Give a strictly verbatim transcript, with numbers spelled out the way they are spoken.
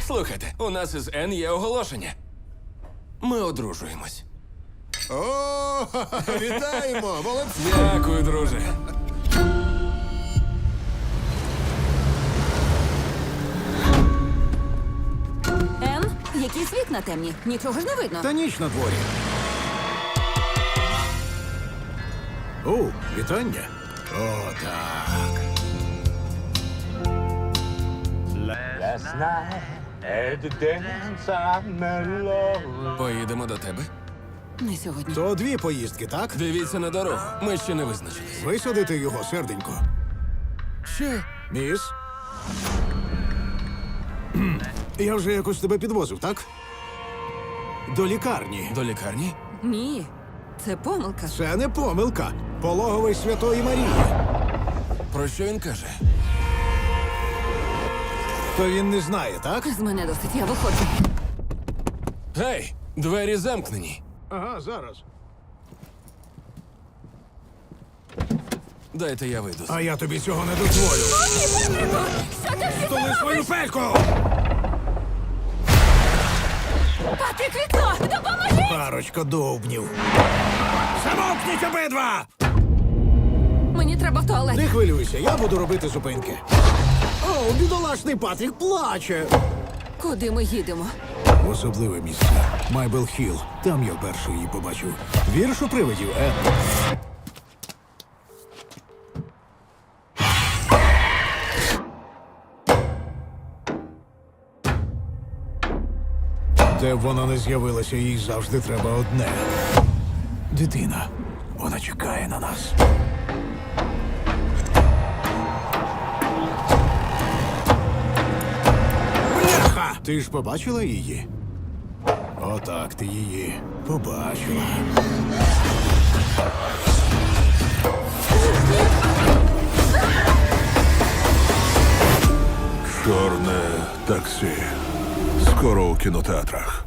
Слухайте, у нас із Н є оголошення. Ми одружуємось. О, вітаємо! Молодці! Дякую, друже. Ен, якісь вікна темні. Нічого ж не видно. Та ніч на дворі. О, вітання. О, так. Last night at the dance I met love. Поїдемо до тебе. Не сьогодні. То дві поїздки, так? Дивіться на дорогу. Ми ще не визначились. Висадити його, серденько. Що? Міс? Кхм. Я вже якось тебе підвозив, так? До лікарні. До лікарні? Ні. Це помилка. Це не помилка. Пологовий Святої Марії. Про що він каже? То він не знає, так? З мене досить, я виходжу. Гей, двері замкнені. Ага, зараз. Дайте я вийду. А я тобі цього не дозволю. Що ти всі Столи свою пельку! Патрік, вікно! Допоможи! Парочка довбнів. Замовкніть обидва! Мені треба в туалет. Не хвилюйся, я буду робити зупинки. О, бідолашний Патрік плаче. Куди ми їдемо? В особливе місце. Майбел Хілл. Там я вперше її побачив. Вірш у привидів, Ен. Де б вона не з'явилася, їй завжди треба одне. Дитина. Вона чекає на нас. Бляха! Ти ж побачила її? Отак ти її побачила. Чорне таксі. Скоро у кінотеатрах.